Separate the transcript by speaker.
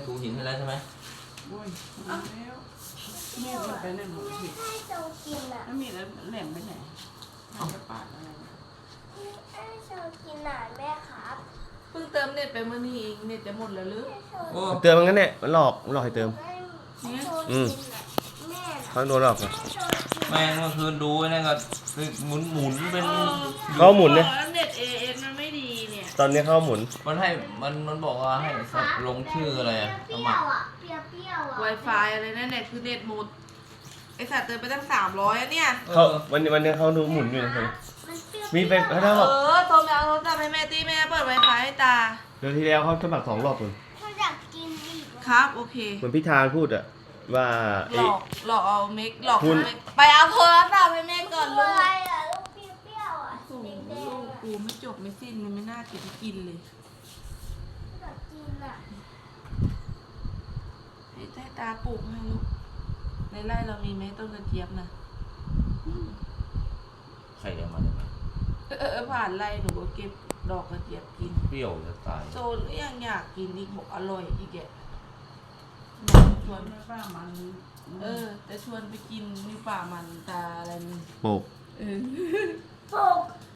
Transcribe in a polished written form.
Speaker 1: ถูหินให้แล้วใช่ไหม
Speaker 2: โอ้ยแล้วแม่ไปไหนหมดผิด
Speaker 3: ให้โจกินอ่ะ
Speaker 2: แล้วมีแล้วแหลมไปไหนให้กระปาดอะไรนะ
Speaker 3: ให้โจกินหนาแม่ครับ
Speaker 4: เพิ่งเติมเน็ตไปเมื่อนี้เองเน็ตจะหมดแล้วหรือ
Speaker 3: ให้โจ
Speaker 1: โอ้
Speaker 5: เติมมันงั้นเนี่ยมันหลอกให้เติม
Speaker 3: ให้โจกินอ่ะแม่
Speaker 5: เขาโดนหลอก
Speaker 3: ให้โจกิน
Speaker 1: แม่เมื่อคืนดูไอ้นั่นก็หมุนเป็น
Speaker 5: เขาหมุนเนี่ย
Speaker 4: แล้วเน็ตเอเอมันไม่ดีเนี่ย
Speaker 5: ตอนนี้เขาหมุน
Speaker 1: มันให้มันบอกว่าให้ลงชื่ออะไรอะส
Speaker 3: เปรี้
Speaker 1: มั
Speaker 3: ย
Speaker 1: คร
Speaker 3: วอ่ะเปรี้ยวอ่ะ
Speaker 4: Wi-Fi อะไรนั่นแหละคือเน็ตหมดไอสัตว์เติมไปตั้ง300อะเนี่ย
Speaker 5: เขาวันนี้เขาดูหมุนอยู่นะ
Speaker 3: มันเปรี้ยว
Speaker 5: มีเป็นเขาบอก
Speaker 4: โทรไปเอาโทรศัพท์ให้แม่ตีแม่เปิด Wi-Fi ให้ตา
Speaker 5: เดือนที่แล้วเขาสมัคร2 รอบเลย
Speaker 3: เขาอยากกินอีก
Speaker 4: ครับ โอเค
Speaker 5: เหมือนพิธาพูดอะว่า
Speaker 4: หลอกเอาเมกหลอก
Speaker 5: คุณ
Speaker 4: ไปเอาโทรศัพท์ให้แม่ก่อน
Speaker 3: ตั
Speaker 4: ลู
Speaker 3: ว
Speaker 4: ก
Speaker 3: อะไรอ่ะลูกเปรี้ยวอ่ะ
Speaker 4: โอ้โห
Speaker 3: แด
Speaker 4: ลู
Speaker 3: ง
Speaker 4: ก
Speaker 3: ๆอ่ะ
Speaker 4: กูไม่จบไม่สิ้นเลยไม่น่าเก็บกินเลย
Speaker 3: อยากกินอ่ะ
Speaker 4: ให้ใต้ตาปลูกให้ลูกในไร่เรามีไหมต้นกระเจี๊ยบนะ
Speaker 1: ใครเอามาเนี่ย
Speaker 4: ผ่านไร่หนูก็เก็บดอกกระเจี๊ยบกิน
Speaker 1: เปรี้ยวจะตาย
Speaker 4: โซนก็ยังอยากกินอีกบอกอร่อยอีกแกชวน
Speaker 2: แม่ป้ามัน
Speaker 4: จะชวนไปกินอยู่ป่ามันตาอะไรนี่
Speaker 5: โปก
Speaker 4: เออ
Speaker 3: ปลูก